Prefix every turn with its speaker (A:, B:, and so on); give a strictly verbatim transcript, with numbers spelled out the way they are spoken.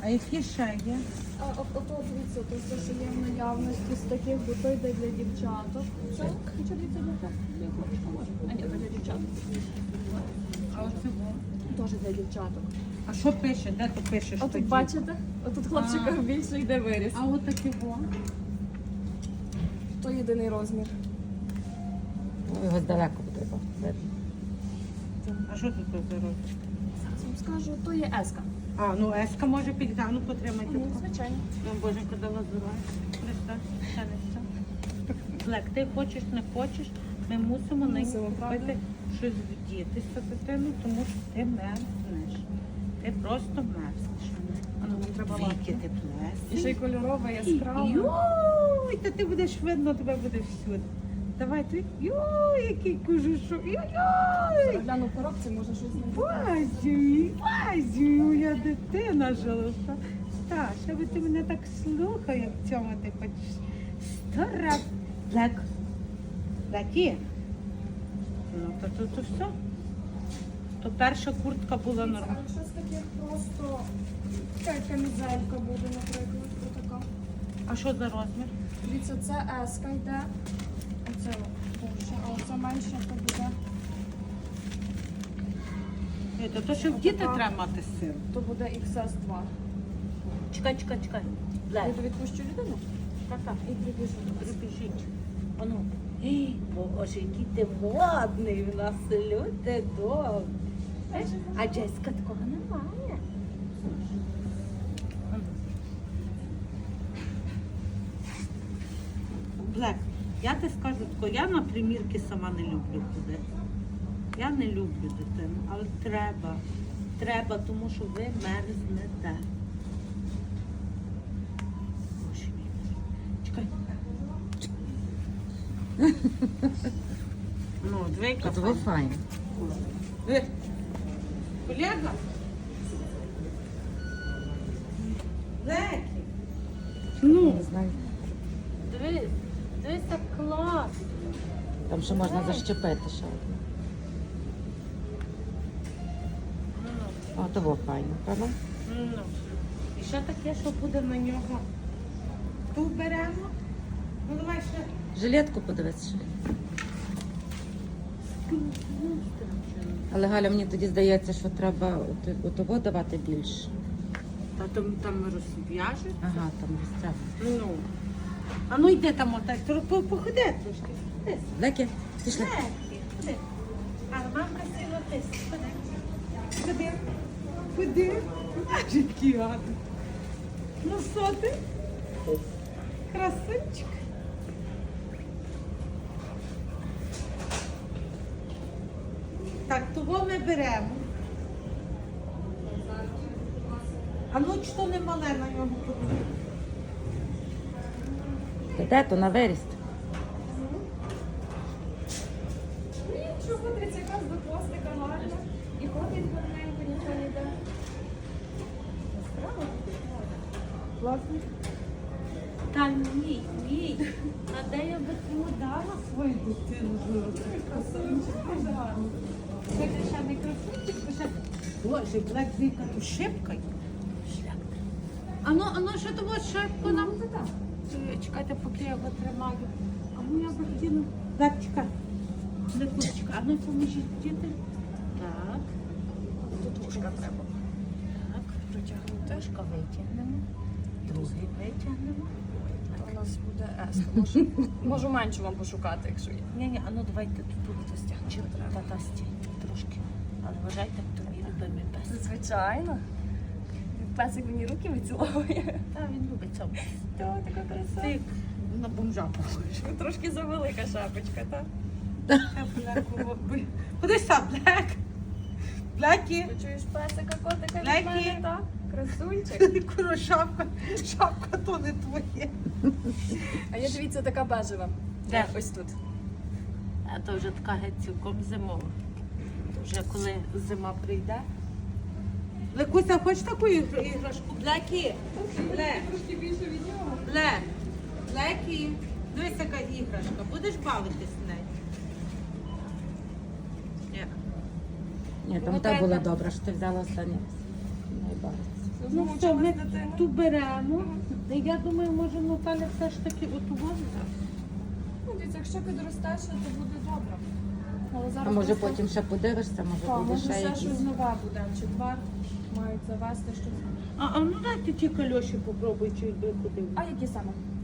A: А які ще є?
B: А от- ото дивіться, то все, що є в наявності з таких, бо то йде для дівчаток. Це нічого дивіться для для хлопчика може. А ні, то для дівчаток.
A: А оце во.
B: Теж для дівчаток.
A: А що пише? Де ти пишеш?
B: А тут
A: тоді?
B: бачите? Отут хлопчика
A: А.
B: більше йде виріс.
A: А от такі во.
B: То єдиний розмір.
C: Ну, його здалеку буде видно.
A: А що тут за розмір?
B: Зараз вам скажу, то є еска.
A: А, ну еска може підійти. А ну потримайте.
B: Ну, звичайно.
A: Ну, боженька дала здоров'я. Христа, ще не все. Блек, ти хочеш, не хочеш, ми мусимо на
B: Мусимо, правда?
A: купити щось вдітися дитину, тому що ти мерзнеш. Ти просто мерзнеш. А ну, нам треба
B: Віки
A: віки теплесенькі.
B: І ще й кольорове, яскраве.
A: Йой, та ти будеш видно, тебе буде всюди. Давай ти. Йой, який кожушок. Йой.
B: Гляну в коробці, може щось знайти.
A: Базю, базю, моя дитина жолоста. Так, ще би ти мене так слухав, як в цьому ти хочеш. Сто раз. Блек. Блекі. Ну, то тут то, все. То перша куртка була
B: А
A: нормальна.
B: якщо з таких просто така камізелька буде, наприклад, така.
A: А що за розмір?
B: Дивіться, це еска йде. Оце більше, а оце менше, то буде,
A: Ей, то, то що в діти треба мати сил.
B: то буде ікс ес два.
A: Чекай, чекай, чекай. Блек.
B: Я то відпущу людину
A: Так-так.
B: і прибіжу.
A: Прибіжіть. Ану. Ей, боже, який ти модний в нас, люди добре. А Джеська такого немає. Блек, я ти скажу тако, я на примірки сама не люблю ходити. Я не люблю дитину, але треба. Треба, тому що ви мерзнете. Боже мій. Чекай. Ну, двійка.
C: От ви файно.
A: Е, Колега? Лекі. Ну,
C: Не знаю.
A: дивись, дивись, так клас.
C: Там ще можна защепити ще одне. О, того файно, правда?
A: Ну, і ще таке, що буде на нього. Ту беремо. Ну, давай ще.
C: Жилетку подивись ще. Але Галя, мені тоді здається, що треба от- отого давати більше.
A: Та там, там розв'яжуть.
C: Ага, там розтягнути.
A: Ну. А ну йди там отак, тро- по- походи трошки. Ходи.
C: Леки, пішли.
A: Легкі, ходи. А мамка сила тис. Ходи. Ходи. Ходи. Аж який гарний. Ну що ти? Красунчик. Так, того ми беремо. А ну чи то не мале на ньому подивитися?
C: Та де то на виріст?
B: Нічого, тридцять якраз до хвостика гарно. І ходить гарненько, ніхто не йде. Справа? Класно.
A: Та ні, ні. А де я би тому дала свою дитину?
B: Красунчик, дуже гарно.
A: Це ще не красунчик, то ще... Боже, Блек, віка, то шибка. Шлях. Ану, ану, що то от шибку нам?
B: Ну, так.
A: Е, Чекайте, поки я його тримаю. А ну я би хотіла... Блек, чекай. Блекучка, а ну поможіть діти. Так,
B: Тут вушка треба
A: так.
B: протягнути.
A: Трошка витягнемо. Другий витягнемо.
B: То у нас буде еска. Можу, можу меншу вам пошукати, якщо є.
A: Ні-ні, а ну давайте тут тут стягнемо. Та-та, стій, трошки. Але вважайте, то мій любимий пес.
B: Звичайно. Песик мені руки виціловує.
A: Та він любить цьому.
B: Та, така краса.
A: Ти на бомжа похожий.
B: Трошки завелика шапочка, так?
A: Куди сам, Блек? Блекі?
B: Ти чуєш песика, котика від
A: Лекі.
B: мене, так? Красунчик.
A: Куро, шапка, шапка то не твоє.
B: А я дивіться, така бежева.
A: Де?
B: Ось тут.
A: А то вже така геть цілком зимова. То вже коли зима прийде. Лекуся, хочеш таку ігр- іграшку? Блекі? Блек.
B: Трошки більше від нього.
A: Блек. Блекі. Дивись, яка іграшка. Будеш бавитись нею? Ні.
C: Ні, там
A: Ну,
C: та
A: треба-
C: була добра, що ти взяла останнє раз. Найбагато.
A: Ну все,
B: Змучилась
A: ми
B: дитина.
A: ту беремо. Я думаю, може Наталя все ж таки оту возить.
B: Ну, дивіться, якщо підростеш, то буде добре. Але
C: А
B: зараз
C: може
B: просто-
C: потім ще подивишся, може
B: Так,
C: буде
B: може
C: ще
B: ще
C: якісь.
B: щось нове буде. В четвер мають завести щось.
A: А, а ну дайте ті кальоші попробуй, чи ви куди.
B: А які саме?